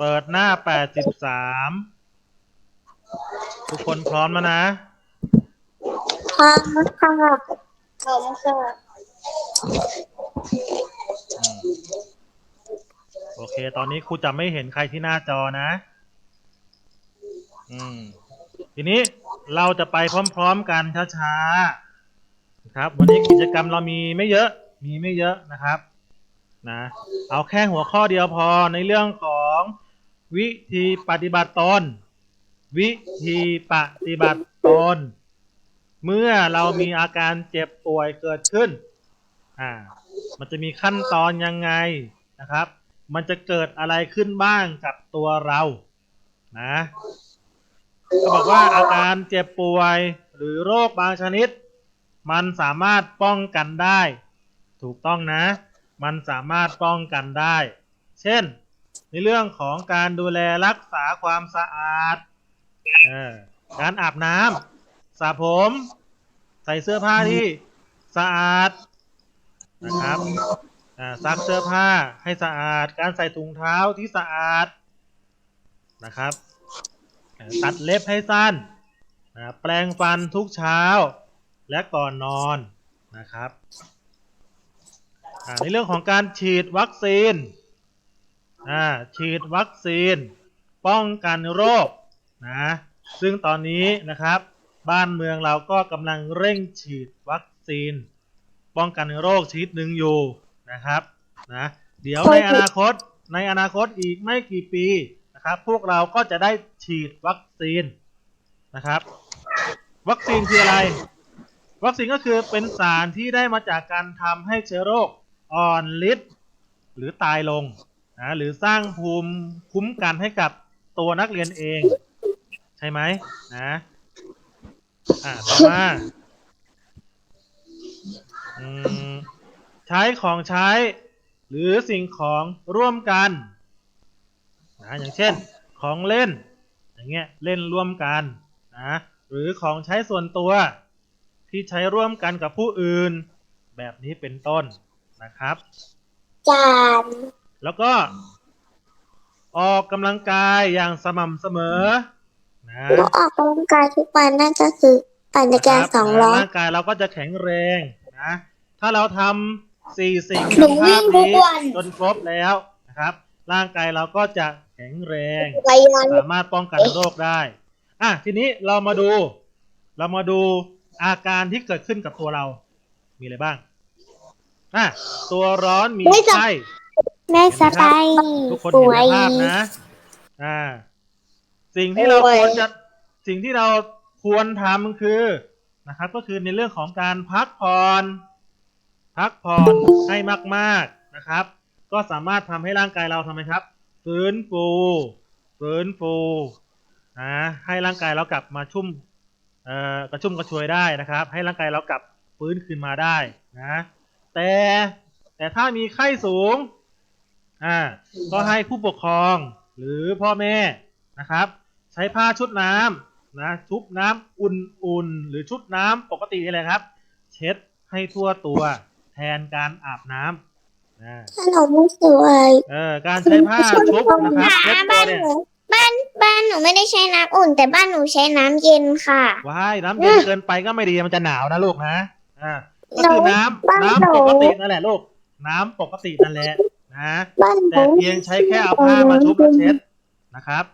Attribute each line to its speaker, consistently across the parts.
Speaker 1: เปิดหน้า83ทุกคนพร้อมแล้วนะ
Speaker 2: พร้อมค่ะพร้อมค่ะ
Speaker 1: โอเคตอนนี้ครูจะไม่เห็นใครที่หน้าจอนะทีนี้เราจะไปพร้อมๆกันช้าๆครับวันนี้กิจกรรมเรามีไม่เยอะนะครับนะเอาแค่หัวข้อเดียวพอในเรื่องของวิธีปฏิบัติตนวิธีปฏิบัติตนเมื่อเรามีอาการเจ็บป่วยเกิดขึ้นมันจะมีขั้นตอนยังไงนะครับมันจะเกิดอะไรขึ้นบ้างกับตัวเรานะก็บอกว่าอาการเจ็บป่วยหรือโรคบางชนิดมันสามารถป้องกันได้ถูกต้องนะมันสามารถป้องกันได้เช่นในเรื่องของการดูแลรักษาความสะอาดการอาบน้ำสระผมใส่เสื้อผ้าที่สะอาดนะครับซักเสื้อผ้าให้สะอาดการใส่ถุงเท้าที่สะอาดนะครับตัดเล็บให้สั้นแปรงฟันทุกเช้าและก่อนนอนนะครับในเรื่องของการฉีดวัคซีนฉีดวัคซีนป้องกันโรคนะซึ่งตอนนี้นะครับบ้านเมืองเราก็กำลังเร่งฉีดวัคซีนป้องกันโรคชนิดหนึ่งอยู่นะครับนะเดี๋ยวในอนาคตอีกไม่กี่ปีนะครับพวกเราก็จะได้ฉีดวัคซีนนะครับวัคซีนคืออะไรวัคซีนก็คือเป็นสารที่ได้มาจากการทำให้เชื้อโรคอ่อนฤทธิ์หรือตายลงหรือสร้างภูมิคุ้มกันให้กับตัวนักเรียนเองใช่ไหมต่อมาใช้ของใช้หรือสิ่งของร่วมกันอย่างเช่นของเล่นอย่างเงี้ยเล่นร่วมกันหรือของใช้ส่วนตัวที่ใช้ร่วมกันกับผู้อื่นแบบนี้เป็นต้นนะครับแล้วก็ออกกำลังกายอย่างสม่ำเสมอ
Speaker 2: แล้วออกกำลังกายทุกวันนั่นก็คือปั่นจักรยาน200
Speaker 1: ร่างกายเราก็จะแข็งแรงนะถ้าเราทำ4 สิ่งในภาพนี้จนครบแล้วนะครับร่างกายเราก็จะแข็งแรงสามารถป้องกันโรคได้ทีนี้เรามาดูอาการที่เกิดขึ้นกับตัวเรามีอะไรบ้างตัวร้อนมีไข้
Speaker 2: ไม่สบาย
Speaker 1: ทุกคนเห็นในภาพนะสิ่งที่เราควรทำคือนะครับก็คือในเรื่องของการพักผ่อนให้มากๆนะครับก็สามารถทำให้ร่างกายเราทำไมครับฟื้นฟูให้ร่างกายเรากลับมากระชุ่มกระชวยได้นะครับให้ร่างกายเรากลับฟื้นคืนมาได้นะแต่ถ้ามีไข้สูงก็ให้ผู้ปกครองหรือพ่อแม่นะครับใช้ผ้าชุบน้ำชุบน้ำอุ่นๆหรือชุบน้ำปกตินี่แหละครับเช็ดให้ทั่วตัวแทนการอาบน้ำ
Speaker 2: ถ้าเราไม่สวย
Speaker 1: การใช้ผ้าชุบนะครับเช็ดตัวเนี่ย
Speaker 2: บ้านหนูไม่ได้ใช้น้ำอุ่นแต่บ้านหนูใช้น้ำเย็นค่ะ
Speaker 1: ว้ายน้ำเย็นเกินไปก็ไม่ดีมันจะหนาวนะลูกนะก็คือน้ำปกตินั่นแหละลูกน้ำปกตินั่นแหละแต่เพียงใช้แค่เอาผ้ามาชุบแล้วเช็ดนะครับ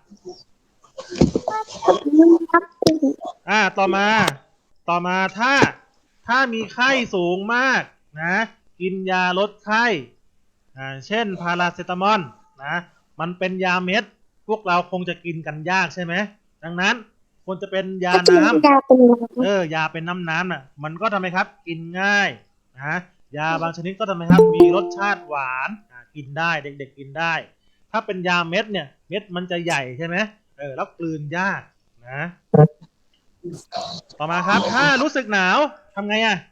Speaker 1: ต่อมาถ้ามีไข้สูงมากกินยาลดไข้เช่นพาราเซตามอลมันเป็นยาเม็ดพวกเราคงจะกินกันยากใช่ไหมดังนั้นควรจะเป็นยาน้ำยาเป็นน้ำมันก็ทำไมครับกินง่ายยาบางชนิดก็ทำไมครับมีรสชาติหวานกินได้เด็กๆกินได้ถ้าเป็นยาเม็ดเนี่ยเม็ดมันจะใหญ่ใช่ไหมแล้วกลืนยากต่อมาครับถ้ารู้สึกหนาวทำไง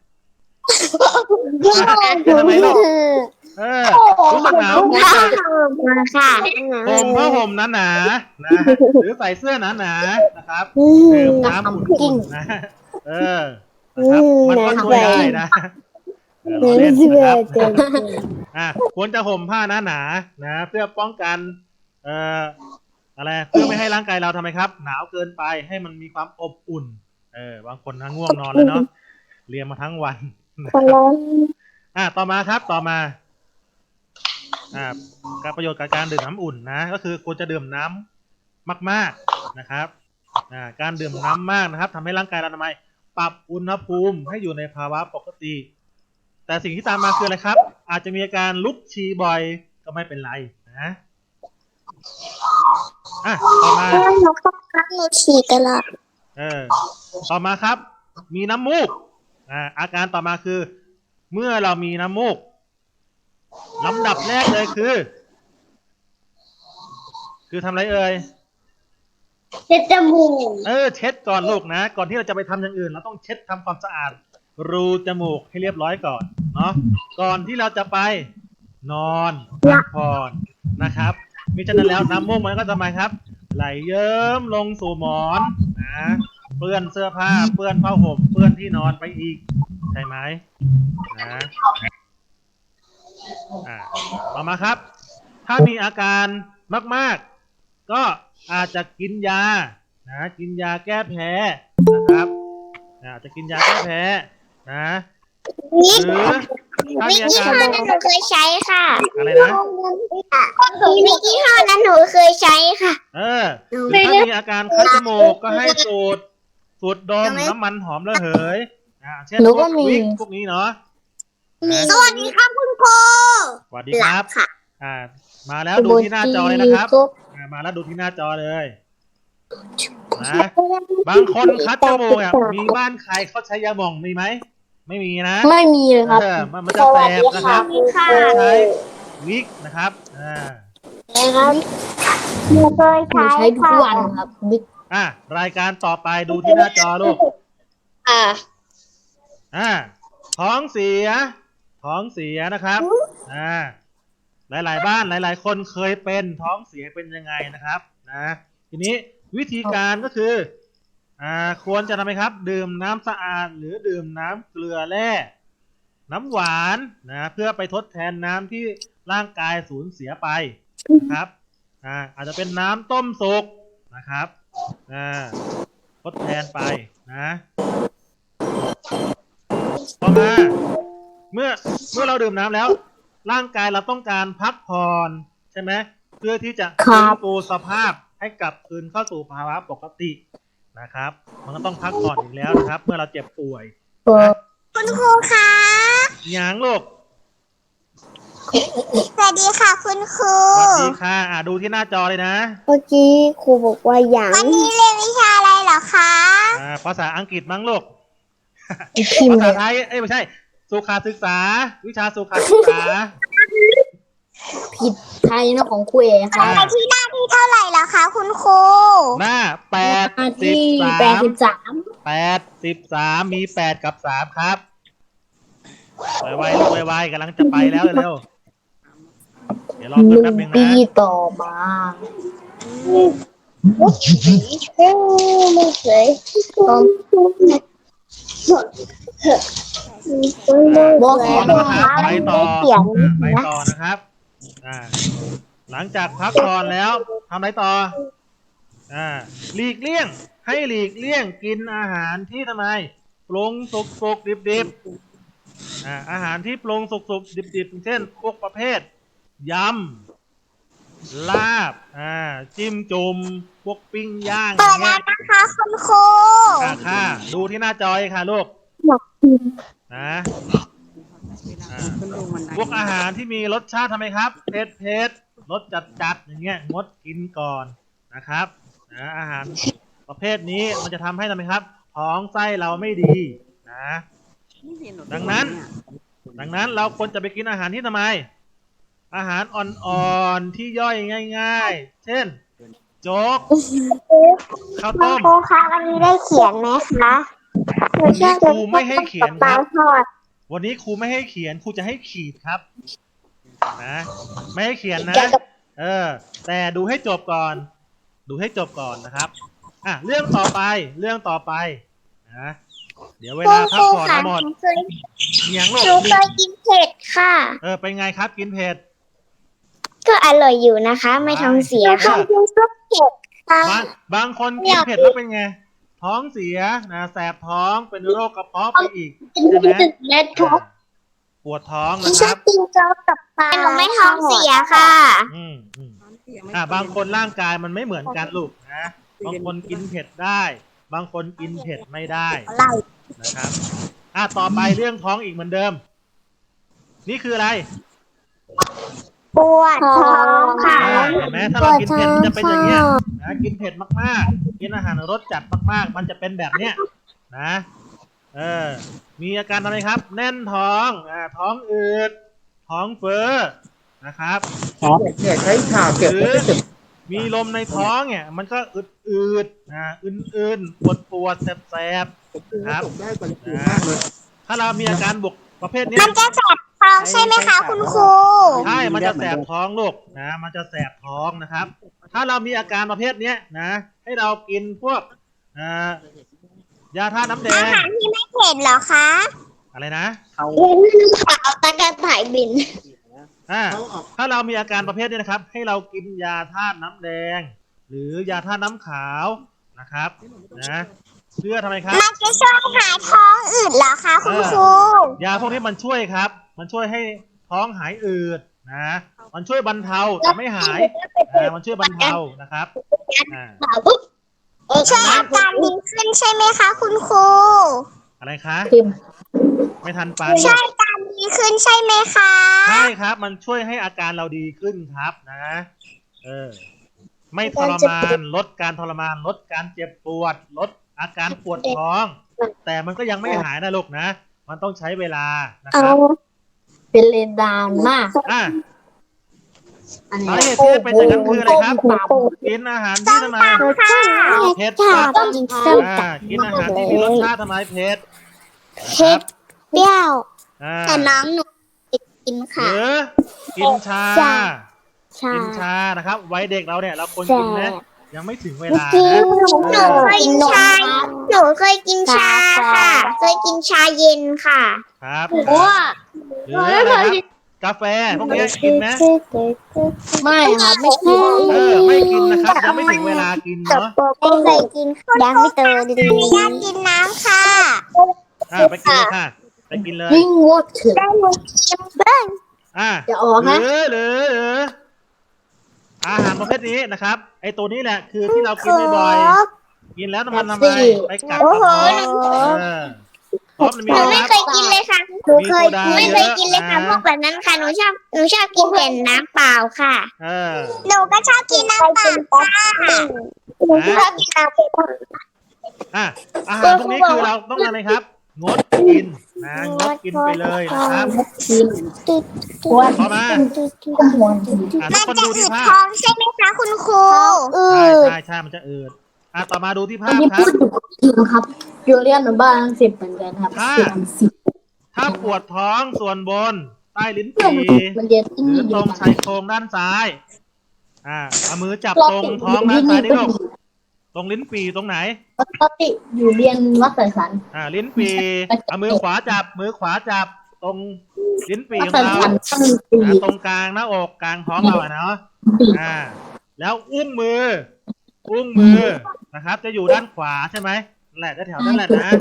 Speaker 1: ทำไมลูกรู้สึกหนาวควรจะห่มผ้าห่มหนาหรือใส่เสื้อหนานะครับดื่มน้ำอุ่นๆนะครับมันก็ช่วยได้นะเราเล่นนะครับควรจะห่มผ้าหนาเพื่อป้องกันเอ่ออะไรเพื่อไม่ให้ร่างกายเราทำไมครับ หนาวเกินไปให้มันมีความอบอุ่นบางคนนะง่วงนอนแล้วเนาะเรียนมาทั้งวันนะ
Speaker 2: คน
Speaker 1: ครับ
Speaker 2: ละ
Speaker 1: ต่อมาครับต่อมาการประโยชน์กับการดื่มน้ำอุ่นนะก็คือควรจะดื่มน้ำมากๆนะครับการดื่มน้ำมากนะครับทำให้ร่างกายเราทำไมปรับอุณหภูมิให้อยู่ในภาวะปกติ แต่สิ่งที่ตามมาคืออะไรครับ อาจจะมีอาการลุกชีบ่อยก็ไม่เป็นไรนะต่อมา
Speaker 2: หนูก็พักหนูฉี่ตลอด
Speaker 1: ต่อมาครับ มีน้ำมูกอาการต่อมาคือ เมื่อเรามีน้ำมูกลำดับแรกเลยคือทำอะไรเอ่ย
Speaker 2: เช็ดจมูก
Speaker 1: เช็ดก่อนลูกนะ ก่อนที่เราจะไปทำอย่างอื่นเราต้องเช็ดทำความสะอาดรูจมูกให้เรียบร้อยก่อนเนาะก่อนที่เราจะไปนอนพักผ่อนนะครับมิฉะนั้นแล้วน้ำมูกมันก็ทำไมครับ ไหลเยิ้มลงสู่หมอนนะเปื้อนเสื้อผ้าเปื้อนผ้าห่มเปื้อนที่นอนไปอีกใช่ไหมนะต่อมาครับ ถ้ามีอาการมากๆก็อาจจะกินยากินยาแก้แพ้นะครับอาจจะกินยาแก้แพ้นะหรือถ้ามีอาการ
Speaker 2: หนูเคยใช้ค่ะ
Speaker 1: อะไรนะ
Speaker 2: มียี่ห้อนั้นหนูเคยใช้ค่ะ
Speaker 1: หรือถ้ามีอาการคัดจมูกก็ให้สูดดมน้ำมันหอมระเหยเช่นพวกวิกพวกนี้เนาะ
Speaker 2: สวัสดีครับคุณครู
Speaker 1: สวัสดีครับมาแล้วดูที่หน้าจอเลยนะครับมาแล้วดูที่หน้าจอเลยนะบางคนคัดจมูกมีบ้านใครเขาใช้ยาหม่องมีไหมไม่มีนะ
Speaker 2: ไม่มีเลยครับ
Speaker 1: มันจะแสบนะครับใช้วิกนะครับ
Speaker 2: นะครับหนูเคยใช้ทุกวันครับ
Speaker 1: รายการต่อไปดูที่หน้าจอลูกท้องเสียนะครับหลายๆบ้านหลายๆคนเคยเป็นท้องเสียเป็นยังไงนะครับทีนี้วิธีการก็คือควรจะทำไมครับดื่มน้ำสะอาดหรือดื่มน้ำเกลือแร่น้ำหวานเพื่อไปทดแทนน้ำที่ร่างกายสูญเสียไปนะครับอาจจะเป็นน้ำต้มสุกนะครับทดแทนไปนะต่อมาเมื่อเราดื่มน้ำแล้วร่างกายเราต้องการพักผ่อนใช่ไหมเพื่อที่จะฟื้นฟูสภาพให้กลับคืนเข้าสู่ภาวะปกตินะครับมันก็ต้องพักผ่อนอีกแล้วนะครับเมื่อเราเจ็บป่วย
Speaker 2: คุณครูคะ
Speaker 1: หยางลูก
Speaker 2: สวัสดีค่ะคุณครู
Speaker 1: สวัสดีค่ะดูที่หน้าจอเลยนะ
Speaker 2: เมื่อกี้ครูบอกว่าอย่างวันนี้เรียนวิชาอะไรเหรอคะ
Speaker 1: ภาษาอังกฤษมั้งลูกภาษาไทยไม่ใช่สุขศึกษาวิชาสุขศึกษา
Speaker 2: ผิดไทยนะของครูเองค่ะที่หน้าที่เท่าไหร่แล้วคะคุณครู
Speaker 1: หน้า83มี8กับ3ครับไวๆลูกไวๆกำลังจะไปแล้วเร็วเดี๋ยวรอเพิ่มแป๊บนึงนะ
Speaker 2: ปีต่อมาไม่เคย
Speaker 1: บอกนะครับไปต่อนะครับหลังจากพักผ่อนแล้วทำอะไรต่อหลีกเลี่ยงให้หลีกเลี่ยงกินอาหารที่ทำไมปรุงสุกดิบอาหารที่ปรุงสุกดิบเช่นพวกประเภทยำลาบจิ้มจุ่มพวกปิ้งย่างอย่างเงี้ย
Speaker 2: นะคะคุณครู
Speaker 1: ค่ะดูที่หน้าจอค่ะลูกพวกอาหารที่มีรสชาติทำไมครับเผ็ดรสจัดอย่างเงี้ยงดกินก่อนนะครับอาหารประเภทนี้มันจะทำให้ทำไมครับท้องไส้เราไม่ดีดังนั้นเราควรจะไปกินอาหารที่ทำไมอาหารอ่อนๆที่ย่อยง่ายๆเช่นโจ๊กข้าวต้ม
Speaker 2: ครูคะวันนี้ได้เขียนไหมคะ
Speaker 1: วันนี้ครูไม่ให้เขียนครับวันนี้ครูไม่ให้เขียนครูจะให้ขีดครับไม่ให้เขียนนะแต่ดูให้จบก่อนนะครับเรื่องต่อไปนะเดี๋ยวเวลาพักผ่อนหมด
Speaker 2: หนูเคยกินเผ็ดค่ะ
Speaker 1: เป็นไงครับกินเผ็ด
Speaker 2: ก็อร่อยอยู่นะคะ ไม่ท้องเสียค่ะ
Speaker 1: บางคนกินเผ็ดแล้วเป็นไงท้องเสียนะแสบท้องเป็นโรคกระเพาะไปอีกใช่ไหมปวดท้องนะครับ
Speaker 2: กินโจ๊กกับปลาหนูไม่ท้องเสียค่ะ
Speaker 1: บางคนร่างกายมันไม่เหมือนกันลูกนะบางคนกินเผ็ดได้ บางคนกินเผ็ดไม่ได้นะครับต่อไปเรื่องท้องอีกเหมือนเดิม นี่คืออะไร
Speaker 2: ปวดท้องค่ะ
Speaker 1: เห็นไหมถ้าเรากินเผ็ดมันจะเป็นอย่างเงี้ยนะกินเผ็ดมากๆกินอาหารรสจัดมากๆมันจะเป็นแบบเนี้ยนะมีอาการอะไรครับ แน่นท้องท้องอืดท้องเฟ้อนะครับ
Speaker 3: เนี่ยใช้ข่าวเก็บ
Speaker 1: หรือมีลมในท้องเนี่ยมันก็อืดอื่นปวดแสบๆครับถ้าเรามีอาการบวกประเภทนี้
Speaker 2: มันจะแสบท้องใช่ไหมคะคุณครู
Speaker 1: ใช่มันจะแสบท้องลูกนะมันจะแสบท้องนะครับ ถ้าเรามีอาการประเภทนี้นะให้เรากินพวกยาธาตุน้ำแด
Speaker 2: อาง หารที่ไม่เผ็ดเหรอคะ
Speaker 1: อะไรนะ
Speaker 2: เอาตะการถ่ายบิน
Speaker 1: ถ้าเรามีอาการประเภทนี้นะครับให้เรากินยาธาตุน้ำแดง หรือยาธาตุน้ำขาวนะครับนะเพื่อทำไมครับ
Speaker 2: มันจะช่วยหายท้องอืดเหรอคะคุณครู
Speaker 1: ยาพวกนี้มันช่วยครับมันช่วยให้ท้องหายอืดนะมันช่วยบรรเทาแต่ไม่หายมันช่วยบรรเทานะครับ
Speaker 2: ช่วยอาการดีขึ้นใช่ไหมคะคุณครู
Speaker 1: อะไรคะไม่ทันปัน
Speaker 2: ช่วยอาการดีขึ้นใช่ไหมคะ
Speaker 1: ใช่ครับมันช่วยให้อาการเราดีขึ้นครับนะไม่ทรมานลดการทรมานลดการเจ็บปวดลดอาการปวดท้อง แต่มันก็ยังไม่หายนะลูกนะมันต้องใช้เวลานะครับ
Speaker 2: เป็นเลนดานมาก
Speaker 1: สาเหตุที่เป็นอย่างนั้นคืออะไรครับกินอาหารที่ทำไมเผ็ดจัดกินอาหารที่มีรสชาติทำไมเผ็ด
Speaker 2: เปรี้ยวแต่น้องหนูกินค่ะ
Speaker 1: หรือกินชากินชานะครับไว้เด็กเราเนี่ยเราควรกินนะยังไม่ถึงเวลานะ
Speaker 2: หนูเคยกินชาค่ะเคยกินชาเย็นค่ะ
Speaker 1: ครับหรืออะไรครับกาแฟพวกนี้กินไหม
Speaker 2: ไม่ครับไม่กิน
Speaker 1: ไม่กินนะครับยังไม่ถึงเวลากินเนาะ
Speaker 2: ไม่เคยกินยังไม่เจอดีอยากกินน้ำค่ะ
Speaker 1: ไปกินเลยค่ะไปกินเลย
Speaker 2: วิ่งวอดถึงจะออกนะ
Speaker 1: หรืออาหารประเภทนี้นะครับไอตัวนี้แหละคือที่เรากินบ่อยๆกินแล้วมันทำไมไปกัดกระเพาะเพราะมันมี
Speaker 2: หนูไม่เคยกินเลยค่ะหนูไม่เคยกินเลยค่ะพวกแบบนั้นค่ะหนูชอบกินแต่น้ำเปล่าค่ะหนูก็ชอบกินน้ำเปล่าค่ะหนูชอบกินน้ำเปล่า
Speaker 1: อาหารพวกนี้คือเราต้องทำไงครับงดกินนะงดกินไปเลยนะครับพอมาทุกคนดูที่ภาพ
Speaker 2: ใช่ไหมคะคุณครู
Speaker 1: ใช่มันจะอืดต่อมาดูที่ภาพ
Speaker 2: ครับโยเรียนบ้าน10เหมือนกันครับ
Speaker 1: ถ้าปวดท้องส่วนบนใต้ลิ้นปี่หรือตรงชายโครงด้านซ้ายเอามือจับตรงท้องด้านซ้ายนี่ลูกตรงลิ้นปี่ตรงไหน
Speaker 2: ปกติอยู่เรียนวัดสายสัน
Speaker 1: ลิ้นปี่เอามือขวาจับตรงลิ้นปี่ของเราตรงกลางหน้าอกกลางท้องเราเนาะแล้วอุ้งมือนะครับจะอยู่ด้านขวาใช่ไหมแหละแถวนั่นแหละนะ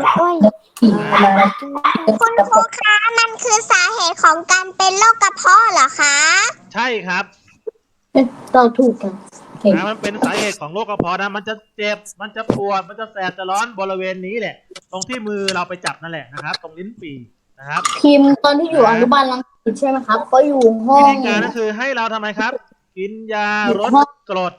Speaker 2: คุณครูคะมันคือสาเหตุของการเป็นโรคกระเพาะเหรอคะ
Speaker 1: ใช่ครับ
Speaker 2: เราถูกกัน
Speaker 1: มันเป็นสาเหตุของโรคกระเพาะนะมันจะเจ็บมันจะปวดมันจะแสบจะร้อนบริเวณนี้แหละตรงที่มือเราไปจับนั่นแหละนะครับตรงลิ้นปี่นะครับ
Speaker 2: พิมตอนที่อยู่อนุบาลรังสิตใช่ไหมครับก็อยู่ห้อง
Speaker 1: วิธีการก็คือให้เราทำไมครับกินยาลดกรด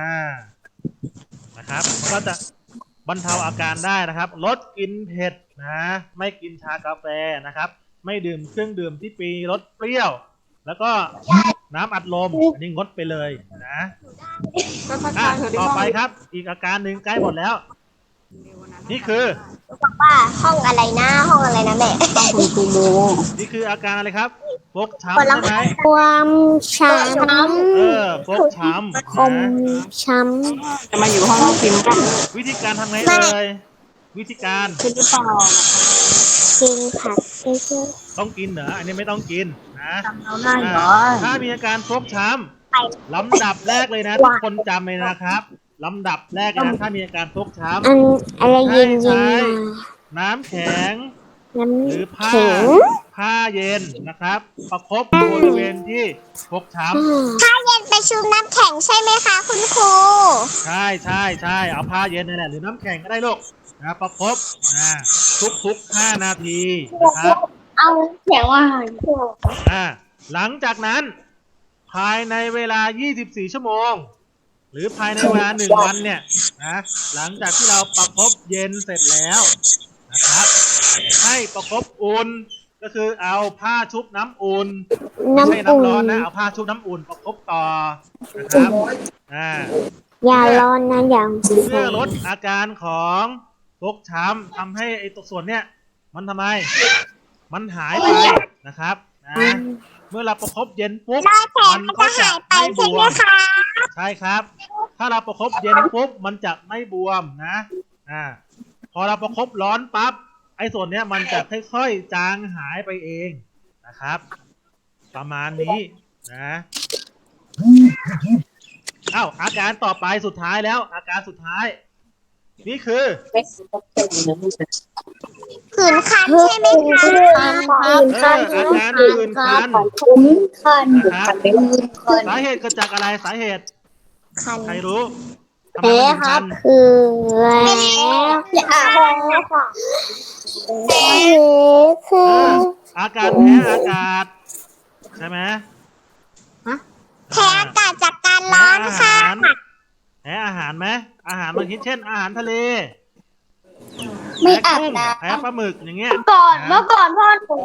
Speaker 1: นะครับมันก็จะบรรเทาอาการได้นะครับลดกินเผ็ดนะไม่กินชากาแฟนะครับไม่ดื่มเครื่องดื่มที่มีรสเปรี้ยวแล้วก็น้ำอัดลมอันนี้งดไปเลยนะต่อไปครับอีกอาการหนึ่งใกล้หมดแล้วนี่คือ
Speaker 2: บอกว่าห้องอะไรนะแม่คุณครูโม
Speaker 1: นี่คืออาการอะไรครับฟกช้ำใช่ไหม
Speaker 2: ความช้ำ
Speaker 1: ฟกช้ำ
Speaker 2: คมช้
Speaker 3: ำจะมาอยู่ห้องพิมพ์กัน
Speaker 1: วิธีการทำไงเลยวิธีการ
Speaker 3: คือเป่า
Speaker 2: กินผักเยอะ
Speaker 1: ต้องกินเหรออันนี้ไม่ต้องกินนะ
Speaker 3: เราได้เหรอ
Speaker 1: ถ้ามีอาการฟกช้ำลำดับแรกเลยนะทุกคนจำเลยนะครับลำดับแรกเลยนะถ้ามีอาการฟกช้
Speaker 2: ๆอะไร
Speaker 1: ำ
Speaker 2: เย็น
Speaker 1: ใช้
Speaker 2: ๆมา
Speaker 1: น้ำแข็ง
Speaker 2: น้
Speaker 1: หรือ
Speaker 2: ำ
Speaker 1: ผ้า
Speaker 2: แข็ง
Speaker 1: ผ้าเย็นนะครับ ประคบบริเวณที่ฟกช้ำ
Speaker 2: ถ้าเย็นไปชุบน้ำแข็งใช่ไหมคะคุณครู
Speaker 1: ใช่เอาผ้าเย็นนี่แหละหรือน้ำแข็งก็ได้ลูกนะประคบทุก5 นาทีนะครับ
Speaker 2: เอาแข็งว่า
Speaker 1: หลังจากนั้นภายในเวลา24 ชั่วโมง หรือภายในเวลา1 วันเนี่ยนะหลังจากที่เราประคบเย็นเสร็จแล้วนะครับให้ประคบอุ่นก็คือเอาผ้าชุบน้ำอุ่นไม่ใช่น้ำร้อนนะเอาผ้าชุบน้ำอุ่นประคบต่อนะครับ
Speaker 2: อย่าร้อนนะอย่าง
Speaker 1: เพื่อลดอาการของฟกช้ำทำให้ไอ้ตัวส่วนเนี้ยมันทำไมมันหายไปนะครับเมื่อเราประคบเย็นปุ๊บมันก็จะไม่บวมใช่ครับ ถ้าเราประคบเย็นปุ๊บมันจะไม่บวมนะพอเราประคบร้อนปั๊บไอ้ส่วนเนี้ยมันจะค่อยๆจางหายไปเองนะครับ ประมาณนี้นะอาการต่อไปสุดท้ายแล้วอาการสุดท้ายนี่คือ
Speaker 2: ผื่นคันใช่ไหมคะ
Speaker 1: อาการผื่นคันนะครับสาเหตุเกิดจากอะไรสาเหตุใครรู้ทำไมมันถึงคัน
Speaker 2: คือแล้วคือ
Speaker 1: อาการแพ้อากาศใช่ไหม
Speaker 2: แพ้อากาศจากการร้อนค่ะ
Speaker 1: แพ้อาหารไหมอาหารบางชนิดเช่นอาหารทะเล
Speaker 2: ไม่อาบน้ำ
Speaker 1: แพ้ปลาหมึกอย่างเงี้ย
Speaker 2: เมื่อก่อนพ่อหนู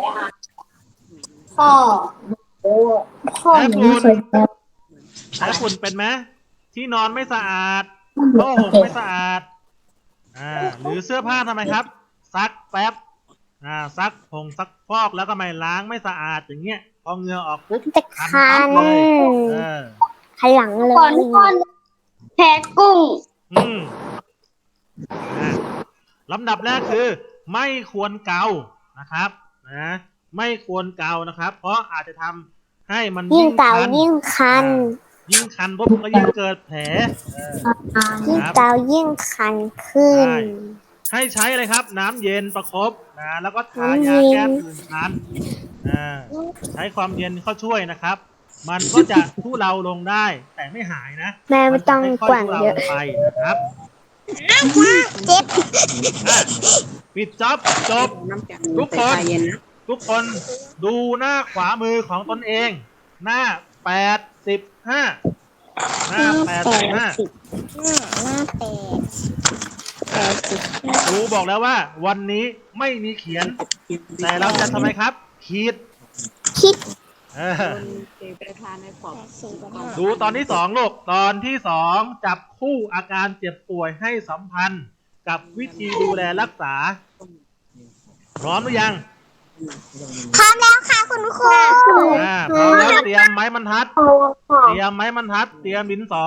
Speaker 1: แพ้ฝุ่นเป็นไหมที่นอนไม่สะอาดผ้าห่มไม่สะอาดหรือเสื้อผ้าทำไมครับซักแป๊บซักผงซักฟอกแล้วก็ไม่ล้างไม่สะอาดอย่างเงี้ยพอเหงื่อออกปุ๊บ
Speaker 2: คัน
Speaker 1: เลย
Speaker 2: ขลังเลยแพ้กุ้ง
Speaker 1: ลำดับแรกคือไม่ควรเกานะครับไม่ควรเกานะครับเพราะอาจจะทำให้มัน
Speaker 2: ยิ่งเกายิ่งคัน
Speaker 1: ปุ๊บก็ยิ่งเกิดแผล
Speaker 2: ยิ่งเกายิ่งคันขึ้น
Speaker 1: ให้ใช้อะไรครับน้ำเย็นประคบแล้วก็ทายาแก้ผื่นคันใช้ความเย็นเข้าช่วยนะครับ มันก็จะทุเลาลงได้แต่ไม่หายนะ
Speaker 2: แม่ไม่ต้องกว่างเยอะ
Speaker 1: ไปนะครับ
Speaker 2: เจ็บ
Speaker 1: ปิดจ็อบจบทุกคนดูหน้าขวามือของตนเองหน้า85ครูบอกแล้วว่าวันนี้ไม่มีเขียนแต่เราจะทำไมครับคิดดูตอนที่2ลูกตอนที่2จับคู่อาการเจ็บป่วยให้สัมพันธ์กับวิธีดูแลรักษาพร้อมหรือยัง
Speaker 2: พร้อมแล้วค่ะคุณครู
Speaker 1: พร้อมแล้วเตรียมไม้บรรทัดเตรียมดินสอ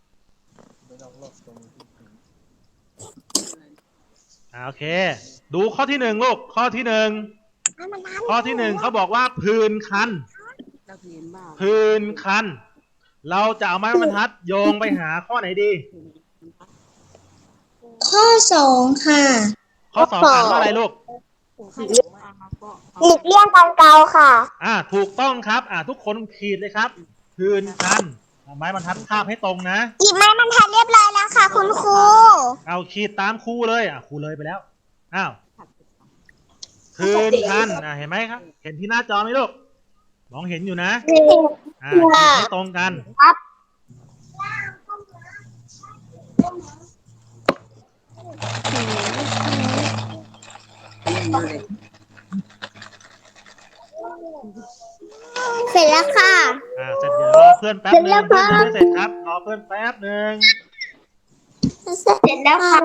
Speaker 1: โอเคดูข้อที่1ลูกข้อที่1เขาบอกว่าผื่นคันเราจะเอาไม้บรรทัดโยงไปหาข้อไหนดี
Speaker 2: ข้อ2ค่ะ
Speaker 1: ข้อ2อ่านว่าอะไรลูก
Speaker 2: หลีกเลี่ยงการเกาค่ะ
Speaker 1: ถูกต้องครับทุกคนขีดเลยครับผื่นคันไม้บรรทัดคาบให้ตรงนะ
Speaker 2: หยิบไม้บรรทัดเรียบร้อยแล้วค่ะคุณครู
Speaker 1: เอาขีดตามครูเลยครูเลยไปแล้วผื่นคันเห็นไหมครับเห็นที่หน้าจอไหมลูกมองเห็นอยู่นะขีดให้ตรงกัน
Speaker 2: เสร็จแล้วค่ะ
Speaker 1: เสร็จเดี๋ยวรอเพื่อนแป๊บนึงเพื่อนไม่เสร็จครับรอเพื่อนแป๊บนึง
Speaker 2: เสร็จแล้วค่ะ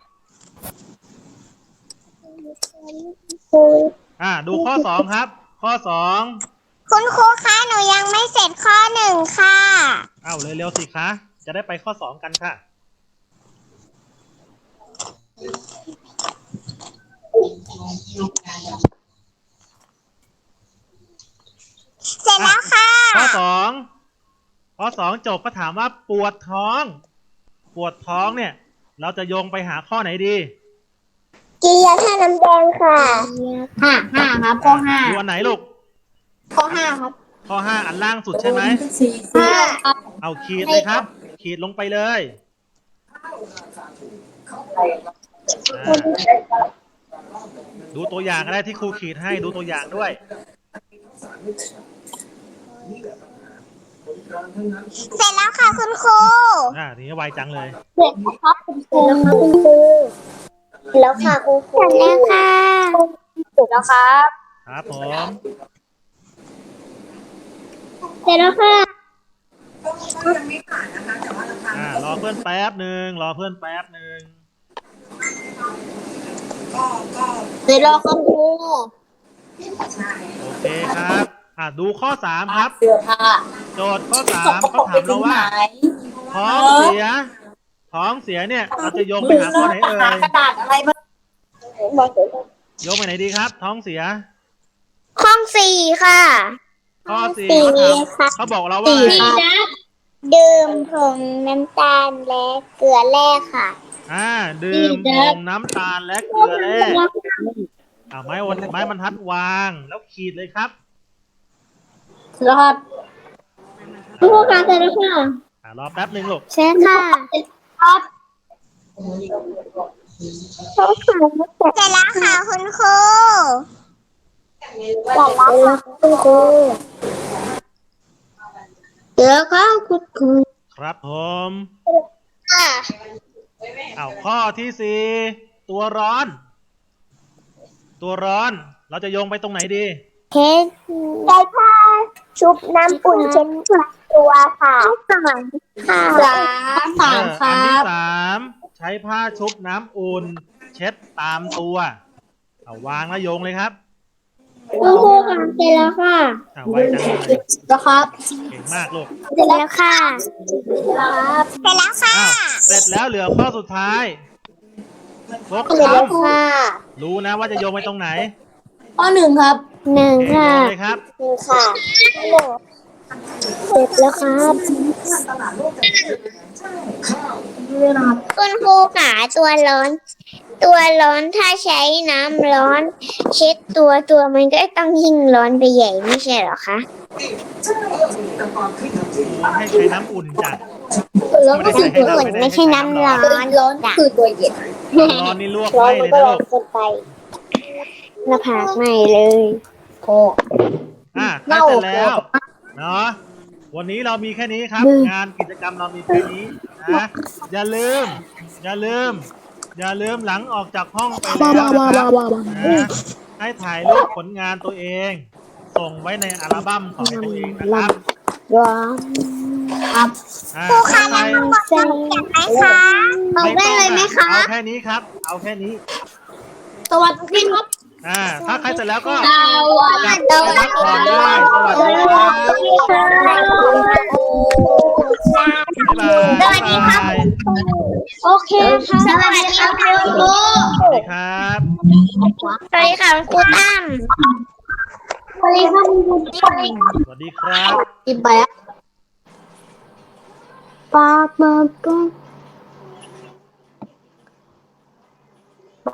Speaker 1: ดูข้อ2ครับข้อ2
Speaker 2: คุณครูคะหนูยังไม่เสร็จข้อ1ค่ะ
Speaker 1: เร็วๆสิคะจะได้ไปข้อ2กันค่ะ
Speaker 2: เสร็จแล้วค่ะ
Speaker 1: ข้อสองจบก็ถามว่าปวดท้อง ปวดท้องเนี่ย เราจะโยงไปหาข้อไหนดี
Speaker 2: กินยาท่าน้ำแดงค่ะห้าครับข้อห้า
Speaker 1: ดูอันไหนลูก
Speaker 2: ข้อห้าครับ
Speaker 1: ข้อ 5อันล่างสุดใช่ไหม
Speaker 2: ห้าครับ
Speaker 1: เอาขีดเลยครับ ขีดลงไปเลยดูตัวอย่างก็ได้ที่ครูขีดให้ดูตัวอย่างด้วย
Speaker 2: เสร็จแล้วค่ะคุณครู
Speaker 1: ทีนี้ไวจังเลย
Speaker 2: เสร็จแล้วครับคุณครูแล้วค่ะคุณครูเสร็จแล้วค่ะเสร็จแล้วครับ
Speaker 1: ครับผม
Speaker 2: เสร็จแล้วค่ะ
Speaker 1: รอเพื่อนแป๊บหนึ่งรอเพื่อนแป๊บหนึ่ง
Speaker 2: เสร็จแล้วครับครู
Speaker 1: โอเคครับ ดูข้อ 3ครับ
Speaker 2: เสื้อผ้า
Speaker 1: โจทย์ข้อ 3เขาถามเราว่า ท้องเสีย ท้องเสียเนี่ย เราจะโยงไปหาข้อไหนเอ่ย
Speaker 2: กระดาษอะไรมา
Speaker 1: โยงไปไหนดีครับ ท้องเสีย
Speaker 2: ข้องสี่ค่ะ
Speaker 1: ข้อ 4เขาถามเขาบอกเราว่าอะไรครับ
Speaker 2: ดื่มผงน้ำตาลและเกลือแร่ค่ะ
Speaker 1: ดื่มผงน้ำตาลและเกลือแร่ไม้บรรทัดวางแล้วขีดเลยครับ
Speaker 2: เสร็จแล้วครับคุณครูคะเสร็จแล้วค่ะ
Speaker 1: รอแป๊บหนึ่งลูก
Speaker 2: เช็คค่ะครับเสร็จแล้วค่ะคุณครูเสร็จแล้วค่ะคุณครูเดี๋ยวก็คุณครู
Speaker 1: ครับผม
Speaker 2: ค่ะ
Speaker 1: ข้อที่ 4ตัวร้อน ตัวร้อนเราจะโยงไปตรงไหนดี
Speaker 2: เช็ดใช้ผ้าชุบน้ำอุ่นเช็ดตัวค่ะสามค
Speaker 1: อัน
Speaker 2: รั
Speaker 1: ที่
Speaker 2: บ
Speaker 1: 3ใช้ผ้าชุบน้ำอุ่น เช็ดตามตัววางแล้วโยงเลยครับ
Speaker 2: คุณครูค่ะเสร็จแล้วค่ะ
Speaker 1: ไวจังเลย
Speaker 2: แล้วครับ
Speaker 1: เก่งมากลูก
Speaker 2: เสร็จแล้วค่ะเสร็จแล้วค่ะ
Speaker 1: เสร็จแล้วเหลือข้อสุดท้ายฟก
Speaker 2: เสร็จแล้ว
Speaker 1: ช้ำ
Speaker 2: ค่ะ
Speaker 1: รู้นะว่าจะโยงไปตรงไหน
Speaker 2: ข้อหนึ่งครับหนึ่ง
Speaker 1: โย
Speaker 2: ค่ะ
Speaker 1: งเลยครับ
Speaker 2: หนึ่งค่ะเสร็จแล้วครับคุณครูค่ะตัวร้อน ถ้าใช้น้ำร้อน เช็ดตัวมันก็ต้องยิ่งร้อนไปใหญ่ไม่ใช่เหรอคะ
Speaker 1: ให้ใช้น้ำอุ่นจัด
Speaker 2: ร้อนก็คือตัวอุ่นไม่ใช่น้ำร้อนคือตัวเย็น
Speaker 1: ร้อนนี่ลวกไหม้เลยนะลูก
Speaker 2: เกินไปหน้าผากไหม้เลยโอ้
Speaker 1: ใกล้เสร็จแล้วเนาะวันนี้เรามีแค่นี้ครับ งานกิจกรรมเรามีแค่นี้นะอย่าลืมหลังออกจากห้องไปแล้วนะครับให้ถ่ายรูปผลงานตัวเอง ส่งไว้ในอัลบั้มของตัวเองนะครับ
Speaker 2: ร้อนครับ
Speaker 1: ครูคะงั้น
Speaker 2: เซ็งไหมคะบอกได้เลยไหมคะ
Speaker 1: เอาแค่นี้ครับ เอาแค่นี้
Speaker 2: สวัสดีครับ
Speaker 1: ถ้าใครเสร็จแล้วก็
Speaker 2: สวัสดี
Speaker 1: กลับไปพักผ่อนได้สวัสดีครับบ๊ายบาย
Speaker 2: สวัสดีครับ โอเคค่ะสวัสดีครับคุณครู
Speaker 1: สวัสดีครับ
Speaker 2: สวัสดีค่ะคุณครูตั้มสวัสดีครับคุณครู
Speaker 1: สวัสดีครับ
Speaker 2: กินไปอ่ะปากมาก็ไป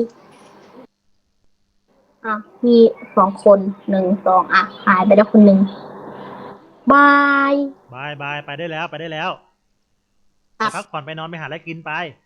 Speaker 2: มี2 คน1 2หายไปแล้วคนหนึ่งบาย
Speaker 1: บายไปได้แล้วไปพักผ่อนไปนอนไปหาอะไรกินไป